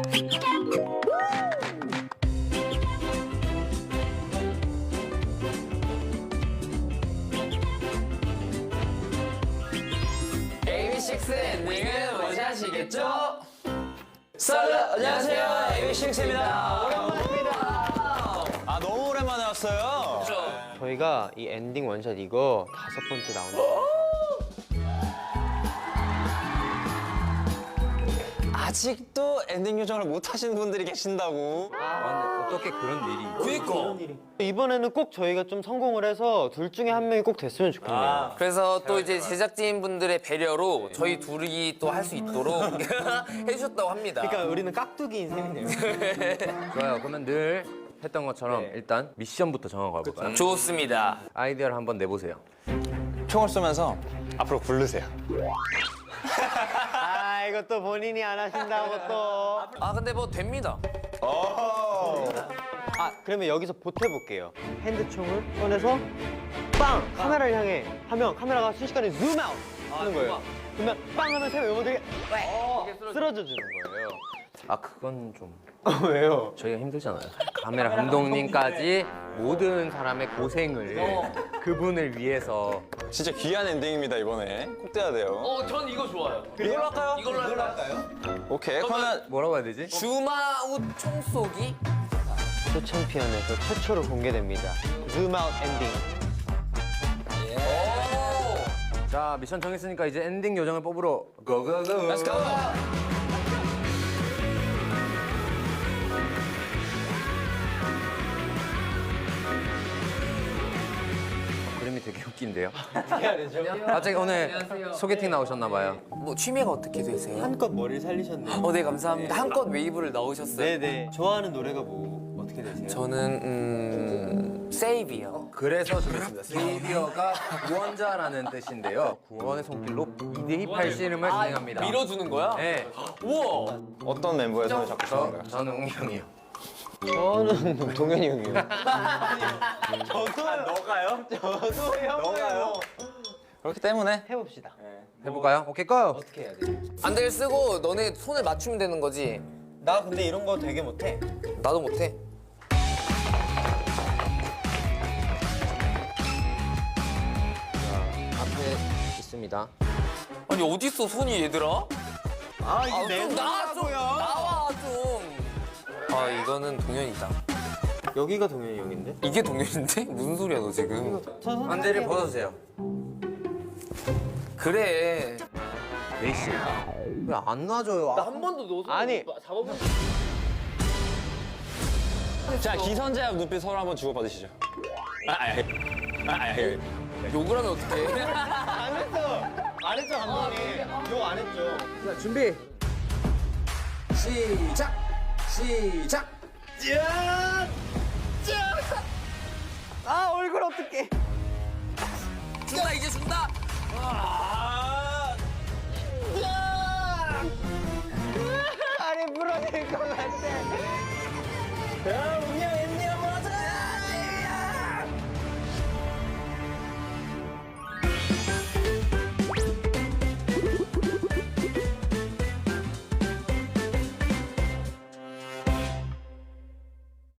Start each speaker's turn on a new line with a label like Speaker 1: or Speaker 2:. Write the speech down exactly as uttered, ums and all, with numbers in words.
Speaker 1: 에이비식스 엔딩은 뭔지 아시겠죠? 썰 안녕하세요, 에이비식스입니다. 오랜만입니다.
Speaker 2: 아 너무 오랜만에 왔어요.
Speaker 1: 그렇죠.
Speaker 3: 저희가 이 엔딩 원샷 이거 다섯 번째 나오는 거.
Speaker 2: 아직도 엔딩 요정을 못 하시는 분들이 계신다고.
Speaker 4: 아, 어떻게 그런 일이?
Speaker 1: 그니까.
Speaker 3: 이번에는 꼭 저희가 좀 성공을 해서 둘 중에 한 명이 꼭 됐으면 좋겠네요.
Speaker 1: 그래서 또 이제 제작진 분들의 배려로 저희 둘이 또 할 수 있도록 해주셨다고 합니다.
Speaker 3: 그러니까 우리는 깍두기인 셈이네요.
Speaker 4: 좋아요. 그러면 늘 했던 것처럼 일단 미션부터 정하고 가볼까요?
Speaker 1: 좋습니다.
Speaker 4: 아이디어를 한번 내보세요.
Speaker 2: 총을 쏘면서 앞으로 굴르세요.
Speaker 3: 아 이것도 본인이 안 하신다고 또.
Speaker 1: 아 근데 뭐 됩니다.
Speaker 3: 아 그러면 여기서 보태볼게요. 핸드총을 꺼내서 빵! 카메라를 향해 하면 카메라가 순식간에 줌 아웃 하는 거예요. 그러면 빵 하면 새 멤버들이 쓰러져 주는 거예요.
Speaker 4: 아 그건 좀
Speaker 3: 왜요?
Speaker 4: 저희가 힘들잖아요. 카메라 감독님까지 모든 사람의 고생을 그분을 위해서.
Speaker 2: 진짜 귀한 엔딩입니다 이번에. 꼭 돼야 돼요.
Speaker 1: 어, 전 이거 좋아요.
Speaker 2: 이걸로 할까요?
Speaker 1: 이걸로 할까요?
Speaker 2: 오케이. 그러면
Speaker 4: 뭐라고 해야 되지?
Speaker 1: 줌아웃 총쏘기?
Speaker 3: 또 챔피언에서 최초로 공개됩니다. 줌 아웃 엔딩.
Speaker 1: 오!
Speaker 4: 자 미션 정했으니까 이제 엔딩 요정을 뽑으러 고고고.
Speaker 1: Let's go!
Speaker 4: 그림이 되게 웃긴데요. 갑자기 오늘 소개팅 나오셨나 봐요.
Speaker 1: 뭐 취미가 어떻게 되세요?
Speaker 3: 한껏 머리를 살리셨네요.
Speaker 1: 어, 네 감사합니다. 한껏 웨이브를 넣으셨어요.
Speaker 3: 네네. 좋아하는 노래가 뭐 어떻게 되세요?
Speaker 1: 저는 음... 세이비요.
Speaker 4: 그래서 준비했습니다. 세이비어가 구원자라는 뜻인데요. 구원의 손길로 이대희 팔씨름을 진행합니다.
Speaker 1: 밀어주는 거야?
Speaker 4: 네.
Speaker 1: 우와!
Speaker 2: 어떤 멤버의 손을 잡고 싶은
Speaker 4: 저,
Speaker 2: 건가요?
Speaker 4: 저는 웅이 형이요.
Speaker 3: 저는 동현이 형이요. 저도 너가요? 저도 형이요.
Speaker 2: 그렇기 때문에
Speaker 3: 해봅시다.
Speaker 4: 해볼까요? 오케이 고!
Speaker 3: 어떻게 해야 돼?
Speaker 1: 안대를 쓰고 너네 손을 맞추면 되는 거지?
Speaker 3: 나 근데 이런 거 되게 못해.
Speaker 1: 나도 못해.
Speaker 4: 앞에 있습니다.
Speaker 1: 아니 어딨어 손이 얘들아?
Speaker 3: 아
Speaker 1: 아, 좀 나와 좀 나와 좀. 아 이거는 동현이다.
Speaker 3: 여기가 동현이 형인데?
Speaker 1: 이게 동현인데? 무슨 소리야 너 지금?
Speaker 4: 안대를 벗어주세요.
Speaker 1: 그래.
Speaker 4: 메이씨. 왜 안 놔줘요? 아,
Speaker 1: 한 번도 너 손
Speaker 3: 아니.
Speaker 1: 잡아본
Speaker 2: 자 기선제압 눈빛 서로 한번 주고받으시죠. 아, 아, 아, 아, 아,
Speaker 1: 욕을 하면 어떡해?
Speaker 3: 안 했어. 안 했죠 감독님. 욕 안 했죠.
Speaker 4: 자 준비. 시작. 시작.
Speaker 3: 아 얼굴 어떡해.
Speaker 1: 준다 이제 준다.
Speaker 3: 다리 부러질 것 같아. 야, 웅이 형